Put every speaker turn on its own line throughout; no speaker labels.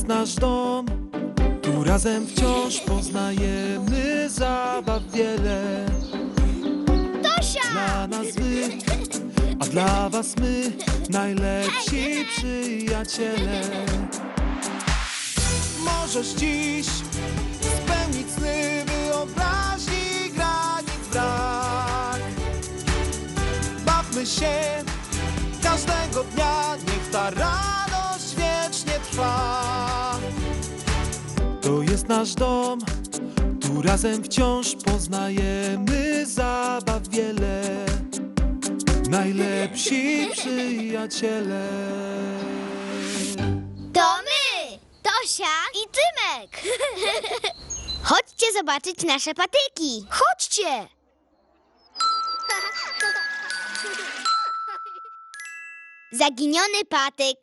jest nasz dom, tu razem wciąż poznajemy zabaw wiele.
Tosia!
Dla nas wy, a dla was my, najlepsi przyjaciele. Możesz dziś spełnić sny wyobraźni, granic brak. Bawmy się każdego dnia, niech ta radość wiecznie trwa. To jest nasz dom, tu razem wciąż poznajemy zabaw wiele. Najlepsi przyjaciele.
To my! Tosia i Tymek! Chodźcie zobaczyć nasze patyki. Chodźcie! Zaginiony patyk.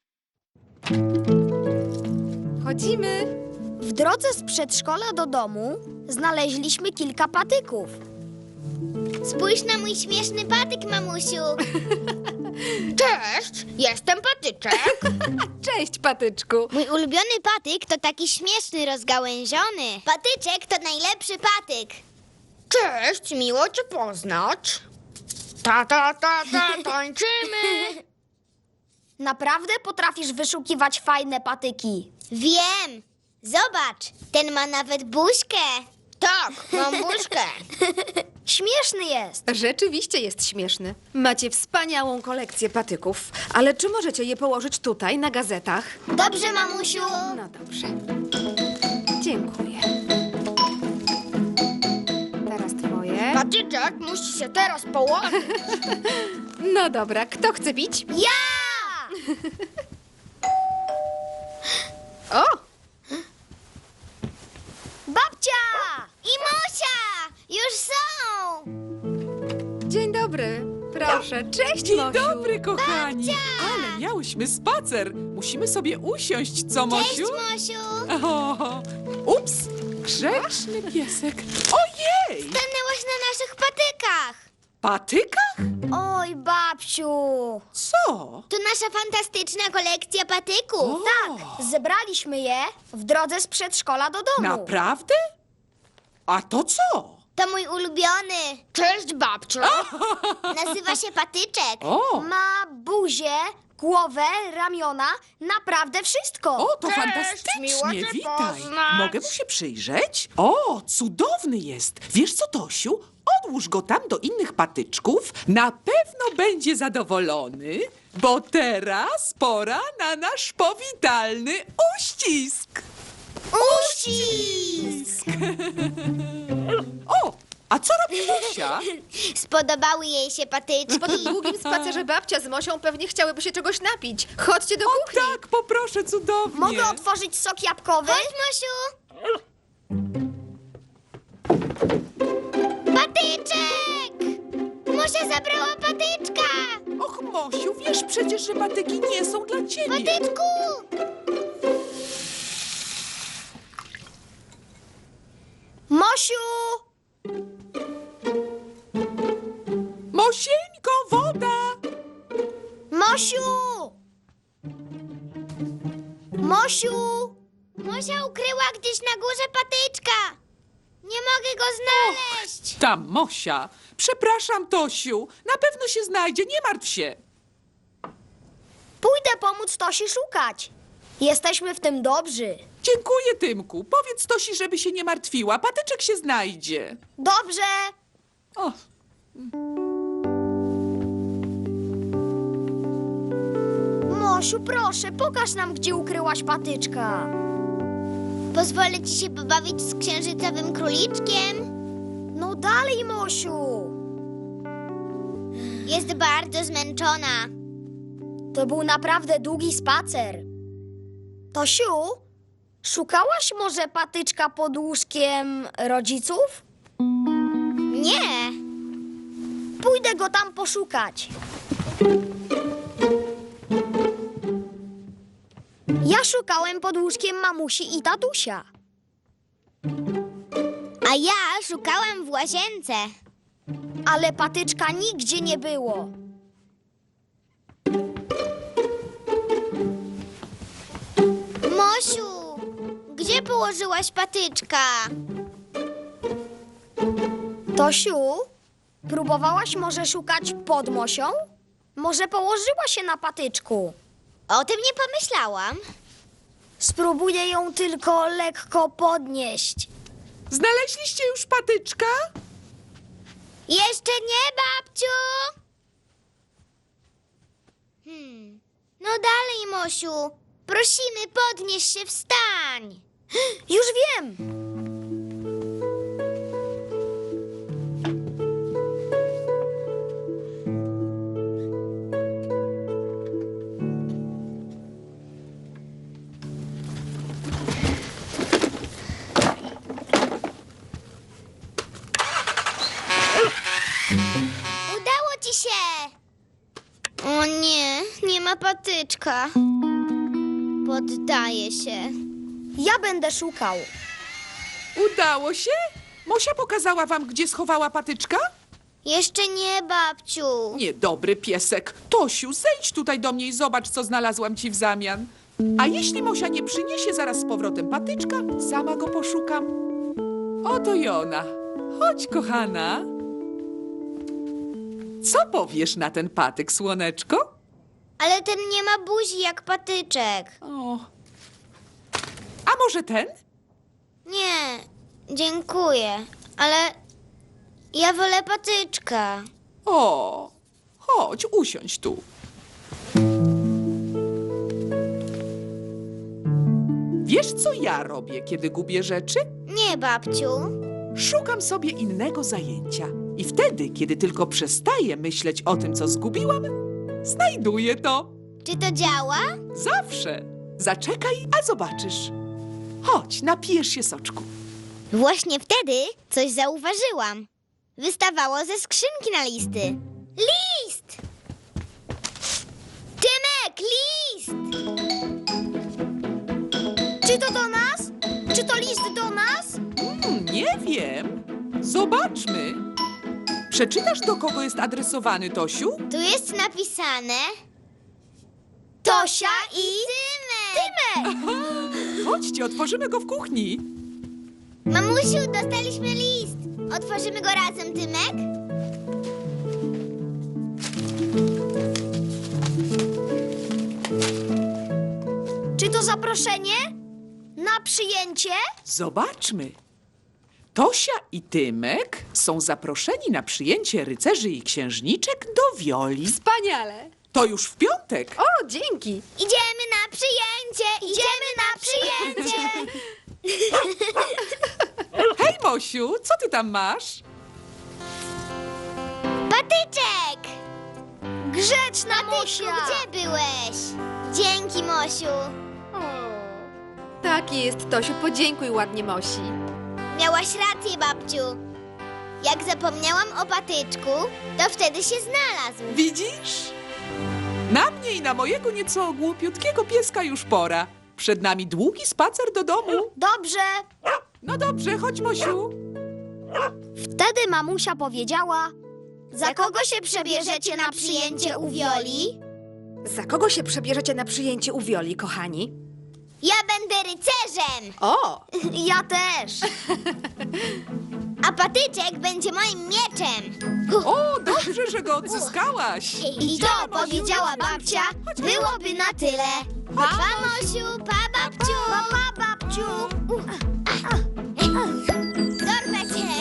Chodzimy.
W drodze z przedszkola do domu znaleźliśmy kilka patyków.
Spójrz na mój śmieszny patyk, mamusiu.
Cześć, jestem Patyczek.
Cześć, patyczku.
Mój ulubiony patyk to taki śmieszny, rozgałęziony. Patyczek to najlepszy patyk.
Cześć, miło cię poznać. Tańczymy.
Naprawdę potrafisz wyszukiwać fajne patyki.
Wiem. Zobacz, ten ma nawet buźkę.
Tak, mam buźkę.
Śmieszny jest.
Rzeczywiście jest śmieszny. Macie wspaniałą kolekcję patyków. Ale czy możecie je położyć tutaj, na gazetach?
Dobrze, mamusiu.
No dobrze. Dziękuję. Teraz twoje.
Patyczek musi się teraz położyć.
No dobra, kto chce pić?
Ja!
O!
Babcia!
I Mosia! Już są!
Dzień dobry. Proszę, cześć,
Dzień
Mosiu.
dobry, kochani! Ale miałyśmy spacer. Musimy sobie usiąść, co,
Cześć,
Mosiu?
Mosiu!
O, ups! Grzeczny piesek. Ojej!
Stanęłaś na naszych patykach.
Patykach?
Oj, babciu!
Co?
To nasza fantastyczna kolekcja patyków.
Tak.
Zebraliśmy je w drodze z przedszkola do domu.
Naprawdę? A to co?
To mój ulubiony.
Cześć, babciu.
Nazywa się Patyczek.
O,
Ma buzię, głowę, ramiona, naprawdę wszystko.
o, to
Cześć, miło
fantastycznie.
cię
Witaj.
poznać.
Mogę mu się przyjrzeć? O, cudowny jest. Wiesz co, Tosiu? Odłóż go tam do innych patyczków. Na pewno będzie zadowolony, bo teraz pora na nasz powitalny uścisk.
Uścisk!
O, a co robi Mosia?
Spodobały jej się patyczki.
Po tym długim spacerze babcia z Mosią pewnie chciałyby się czegoś napić. Chodźcie do kuchni.
Tak, poproszę, cudownie.
Mogę otworzyć sok jabłkowy?
Chodź, Mosiu! Patyczek! Mosia zabrała patyczka!
Och, Mosiu, wiesz przecież, że patyki nie są dla ciebie.
Patyczku!
Mosiu!
Mosieńko, woda!
Mosiu! Mosiu!
Mosia ukryła gdzieś na górze patyczka. Nie mogę go znaleźć.
Tam, Mosia. Przepraszam, Tosiu. Na pewno się znajdzie, nie martw się.
Pójdę pomóc Tosi szukać. Jesteśmy w tym dobrzy.
Dziękuję, Tymku. Powiedz Tosi, żeby się nie martwiła. Patyczek się znajdzie.
Dobrze.
O,
Mosiu, proszę, pokaż nam, gdzie ukryłaś patyczka.
Pozwolę ci się pobawić z księżycowym króliczkiem.
No dalej, Mosiu.
Jest bardzo zmęczona.
To był naprawdę długi spacer. Tosiu, szukałaś może patyczka pod łóżkiem rodziców?
Nie.
Pójdę go tam poszukać. Ja szukałem pod łóżkiem mamusi i tatusia.
A ja szukałam w łazience.
Ale patyczka nigdzie nie było.
Mosiu, gdzie położyłaś patyczka?
Tosiu, próbowałaś może szukać pod Mosią? Może położyła się na patyczku?
O tym nie pomyślałam.
Spróbuję ją tylko lekko podnieść.
Znaleźliście już patyczka?
Jeszcze nie, babciu! No dalej, Mosiu. Prosimy, podnieś się, wstań.
Już wiem!
Udało ci się! O nie, nie ma patyczka. Poddaję się.
Ja będę szukał.
Udało się? Mosia pokazała wam, gdzie schowała patyczka?
Jeszcze nie, babciu.
Niedobry piesek. Tosiu, zejdź tutaj do mnie i zobacz, co znalazłam ci w zamian. A jeśli Mosia nie przyniesie zaraz z powrotem patyczka, sama go poszukam. Oto i ona. Chodź, kochana. Co powiesz na ten patyk, słoneczko?
Ale ten nie ma buzi jak patyczek.
O. A może ten?
Nie, dziękuję, ale ja wolę patyczka.
O, chodź, usiądź tu. Wiesz, co ja robię, kiedy gubię rzeczy?
Nie, babciu.
Szukam sobie innego zajęcia. I wtedy, kiedy tylko przestaję myśleć o tym, co zgubiłam, znajduję to.
Czy to działa?
Zawsze. Zaczekaj, a zobaczysz. Chodź, napijesz się soczku.
Właśnie wtedy coś zauważyłam. Wystawało ze skrzynki na listy. List! Tymek, list!
Czy to do nas? Czy to list do nas?
Nie wiem. Zobaczmy. Przeczytasz, do kogo jest adresowany, Tosiu?
Tu jest napisane...
Tosia i...
Tymek!
Chodźcie, otworzymy go w kuchni.
Mamusiu, dostaliśmy list. Otworzymy go razem, Tymek?
Czy to zaproszenie? Na przyjęcie?
Zobaczmy. Tosia i Tymek są zaproszeni na przyjęcie rycerzy i księżniczek do Wioli.
Wspaniale!
To już w piątek.
O, dzięki!
Idziemy na przyjęcie! Idziemy na przyjęcie!
Hej, Mosiu, co ty tam masz?
Patyczek!
Grzeczna
Patyczku,
Mosia!
gdzie byłeś? Dzięki, Mosiu.
Taki jest, Tosiu, podziękuj ładnie Mosi.
Miałaś rację, babciu. Jak zapomniałam o patyczku, to wtedy się znalazł.
Widzisz? Na mnie i na mojego nieco głupiutkiego pieska już pora. Przed nami długi spacer do domu.
Dobrze.
No dobrze, chodź, Mosiu.
Wtedy mamusia powiedziała...
Za kogo się przebierzecie na przyjęcie u Wioli?
Za kogo się przebierzecie na przyjęcie u Wioli, kochani?
Ja będę rycerzem,
O!
Ja też.
a patyczek będzie moim mieczem.
O, dobrze, że go odzyskałaś.
I to, powiedziała babcia, byłoby na tyle. Pa, Mosiu, pa, babciu.
Pa, babciu.
Dorwę cię.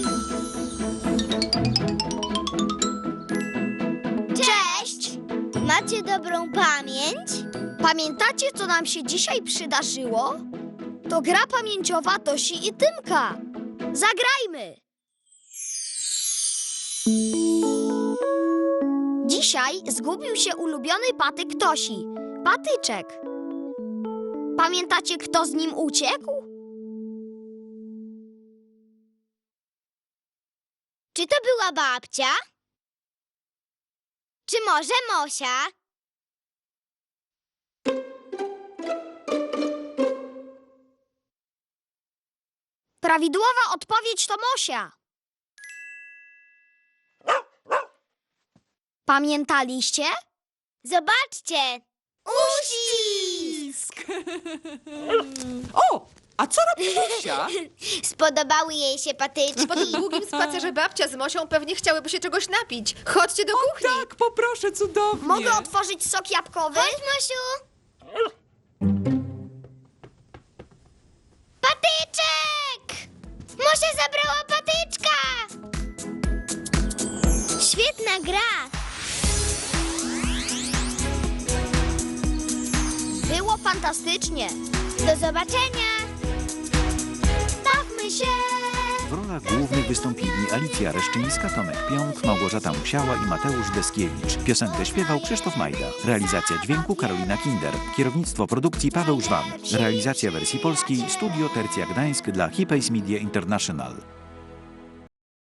Cześć.
Macie dobrą pamięć?
Pamiętacie, co nam się dzisiaj przydarzyło? To gra pamięciowa Tosi i Tymka. Zagrajmy! Dzisiaj zgubił się ulubiony patyk Tosi. Patyczek. Pamiętacie, kto z nim uciekł?
Czy to była babcia? Czy może Mosia?
Prawidłowa odpowiedź to Mosia. Pamiętaliście?
Zobaczcie! Uścisk!
O, a co robi Zosia?
Spodobały jej się patyczki.
Po tym długim spacerze babcia z Mosią pewnie chciałyby się czegoś napić. Chodźcie do kuchni.
Tak, poproszę, cudownie.
Mogę otworzyć sok jabłkowy?
Chodź, Mosiu. Patyczek! Mosia zabrała patyczka! Świetna gra.
Było fantastycznie.
Do zobaczenia. Bawmy się.
W rolach głównych wystąpili Alicja Reszczyńska, Tomek Pionk, Małgorzata Musiała i Mateusz Deskiewicz. Piosenkę śpiewał Krzysztof Majda. Realizacja dźwięku Karolina Kinder. Kierownictwo produkcji Paweł Żwan. Realizacja wersji polskiej Studio Tercja Gdańsk dla Hipays Media International.